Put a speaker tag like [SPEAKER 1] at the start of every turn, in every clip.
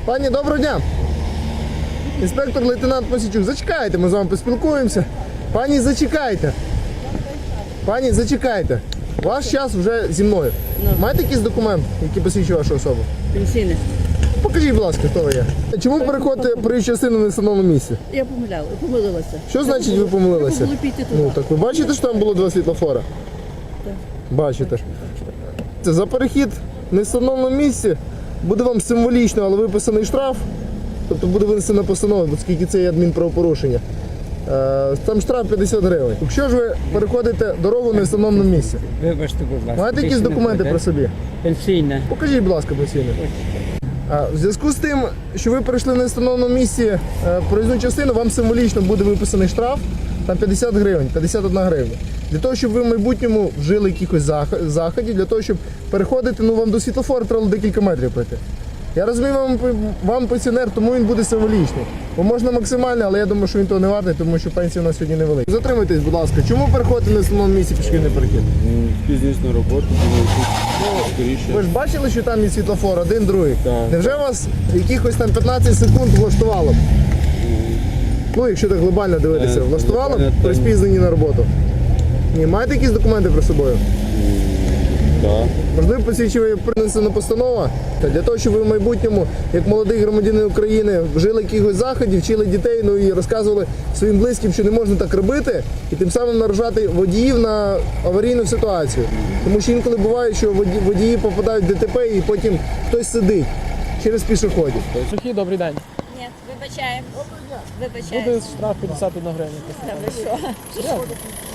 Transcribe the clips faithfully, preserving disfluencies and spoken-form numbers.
[SPEAKER 1] Пані, доброго дня. Інспектор лейтенант Мосійчук, зачекайте, ми з вами поспілкуємося. Пані, зачекайте. Пані, зачекайте. Ваш час вже зі мною.
[SPEAKER 2] Ну.
[SPEAKER 1] Маєте якийсь документ, який посвідчує вашу особу?
[SPEAKER 2] Пенсійне.
[SPEAKER 1] Покажіть, будь ласка, хто ви є. Чому переходите проїзд частину на встановленому місці?
[SPEAKER 2] Я помиляла, помилилася.
[SPEAKER 1] Що значить ви помилилися?
[SPEAKER 2] Треба було піти туди.
[SPEAKER 1] Ну, так ви бачите, що там було два світлофора?
[SPEAKER 2] Так.
[SPEAKER 1] Бачите. Це за перехід на встановленому місці буде вам символічно, але виписаний штраф. Тобто буде винесена постанова, оскільки це є адмінправопорушення. Е, Там штраф п'ятдесят гривень. Якщо ж ви переходите дорогу на встановленому місці,
[SPEAKER 3] Вибачте, будь ласка.
[SPEAKER 1] маєте якісь документи про собі?
[SPEAKER 3] Пенсійне.
[SPEAKER 1] Покажіть, будь ласка, пенсійне. А, в зв'язку з тим, що ви перейшли на встановленому місці е, проїзну частину, вам символічно буде виписаний штраф, там п'ятдесят гривень, п'ятдесят одна гривня. Для того, щоб ви в майбутньому вжили якихось зах- заходів, для того, щоб переходити, ну вам до світлофору треба декілька метрів пройти. Я розумію, вам, вам пенсіонер, тому він буде символічний. Бо можна максимально, але я думаю, що він того не вартий, тому що пенсія у нас сьогодні невелика. Затримуйтесь, будь ласка, чому переходите на встановленому місці пішохідний перехід?
[SPEAKER 4] Пізніше на роботу, думаю, тут скоріше.
[SPEAKER 1] Ви ж бачили, що там є світлофор, один, другий?
[SPEAKER 4] Так.
[SPEAKER 1] Невже вас якихось там п'ятнадцять секунд влаштувало? Ну, якщо так глобально дивитися,
[SPEAKER 4] Е,
[SPEAKER 1] влаштувало
[SPEAKER 4] глобально
[SPEAKER 1] при
[SPEAKER 4] та ні.
[SPEAKER 1] спізненні на роботу? Ні, маєте якісь документи при собою?
[SPEAKER 4] Так.
[SPEAKER 1] Можливо, посвідчує принесена постанова та для того, щоб ви в майбутньому, як молодий громадянин України, вжили якихось заходів, вчили дітей, ну і розказували своїм близьким, що не можна так робити, і тим самим наражати водіїв на аварійну ситуацію. Тому що інколи буває, що воді- водії попадають в ДТП і потім хтось сидить через пішоходів.
[SPEAKER 5] Сухий, добрий день.
[SPEAKER 6] Ні, вибачаємо. Вибачаємо.
[SPEAKER 5] Буде штраф п'ятдесят одна гривня.
[SPEAKER 6] Та ви що? Вибачаю.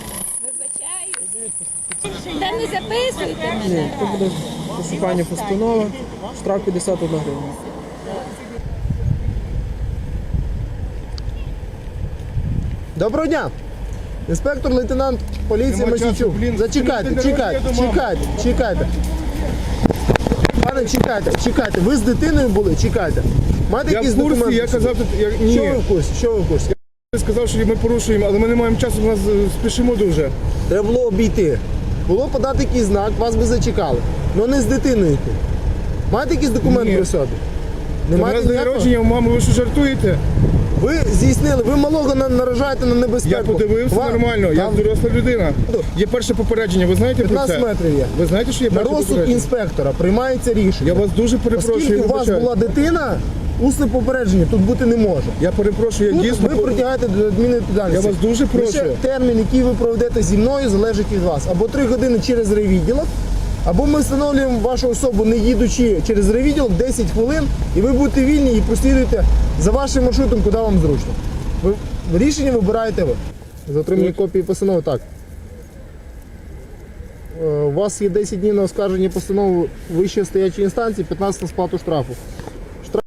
[SPEAKER 6] Та не записуйте мене.
[SPEAKER 5] Це буде пошукання постанови, штраф п'ятдесят одна гривня.
[SPEAKER 1] Доброго дня! Інспектор лейтенант поліції
[SPEAKER 4] Нема часу,
[SPEAKER 1] Мосійчук.
[SPEAKER 4] блін.
[SPEAKER 1] Зачекайте,
[SPEAKER 4] Дороги
[SPEAKER 1] чекайте,
[SPEAKER 4] до мами.
[SPEAKER 1] чекайте, чекайте. Пане, чекайте, чекайте. Ви з дитиною були? Чекайте. Маєте
[SPEAKER 4] Я
[SPEAKER 1] якісь
[SPEAKER 4] в курсі,
[SPEAKER 1] документи?
[SPEAKER 4] я казав, тут, я, ні.
[SPEAKER 1] Що ви в курсі? Що ви в курсі?
[SPEAKER 4] Я сказав, що ми порушуємо, але ми не маємо часу, у нас е, спішимо дуже.
[SPEAKER 1] Треба було обійти. Було подати якийсь знак, вас би зачекали. Ну не з дитиною йти. Маєте якісь документи
[SPEAKER 4] Ні.
[SPEAKER 1] при собі? Не
[SPEAKER 4] У нас
[SPEAKER 1] маєте
[SPEAKER 4] день
[SPEAKER 1] ніякого?
[SPEAKER 4] народження у мами, ви що жартуєте?
[SPEAKER 1] Ви здійснили, ви малого на- наражаєте на небезпеку.
[SPEAKER 4] Я подивився
[SPEAKER 1] Вам-
[SPEAKER 4] нормально, я
[SPEAKER 1] Там
[SPEAKER 4] доросла людина. Є перше попередження, ви знаєте про
[SPEAKER 1] п'ятнадцять
[SPEAKER 4] це?
[SPEAKER 1] метрів є.
[SPEAKER 4] Ви знаєте, що є
[SPEAKER 1] На
[SPEAKER 4] перше
[SPEAKER 1] розсуд
[SPEAKER 4] попередження?
[SPEAKER 1] інспектора приймається рішення.
[SPEAKER 4] Я вас дуже перепрошую,
[SPEAKER 1] Оскільки
[SPEAKER 4] я
[SPEAKER 1] у вас
[SPEAKER 4] вибачаю.
[SPEAKER 1] була дитина, усне попередження тут бути не може.
[SPEAKER 4] Я перепрошую, я
[SPEAKER 1] Тут
[SPEAKER 4] дійсно...
[SPEAKER 1] ви притягаєте до адмінвідповідальності.
[SPEAKER 4] Я вас дуже прошу.
[SPEAKER 1] Лише термін, який ви проведете зі мною, залежить від вас. Або три години через райвідділок, або ми встановлюємо вашу особу, не їдучи через райвідділок, десять хвилин, і ви будете вільні і прослідуєте за вашим маршрутом, куди вам зручно. Ви, рішення вибираєте ви. За отримання копії постанови, так. Е, У вас є десять днів на оскарження постанови вищої стоячої інстанції, п'ятнадцять на сплату штрафу.